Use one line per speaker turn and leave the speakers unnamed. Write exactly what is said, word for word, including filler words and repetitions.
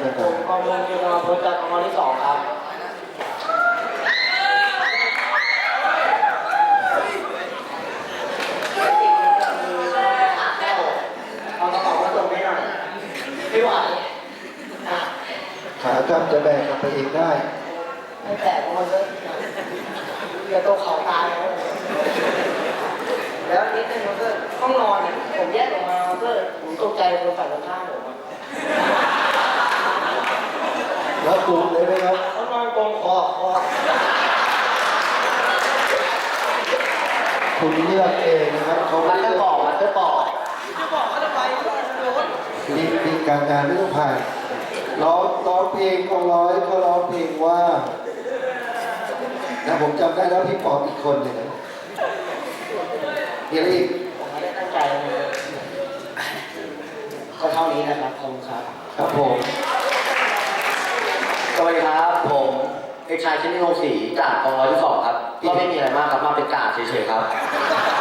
ผมกองมือยืนมาพ้นจากกองที่สองครับเอากระเป๋ามาส่งให้หน่อยไม่ไหว
ขากลับจะแบกกลับไปเองได้
ไม่แตกมันเลยจะโตเข่าตายแล้วแล้วนิดนึงมันก็ห้องนอนเนี่ยผมแยกออกมาก็ผมตกใจคนฝั่งตรงข้ามผม
แล้วกลุ่มเลยไหมครับ
เขานอนกองคอคอ
คุณเลือกเองนะครับเขา
มัน
เลื
จะ
อก
บอกมันจะบอก
จะบอกว่าทำไมรถ
มีมีการงานไม่ต้องผ่านร้องร้องเพลงของร้อยเขาร้องเพลงว่านะผมจำได้แล้วพี่ปอบอีกคนหนึ่งนะเดี๋ยวอีก
ผมไม่ได้ตั้งใจเลยก็เท่านี้นะครับขอบคุณครับ
ครับผม
สวัสดีครับผมเอกชัยชินิโงศรีจากกองร้อยที่สองครับก็ไม่มีอะไรมากครับมาเป็นกาดเฉยๆครับ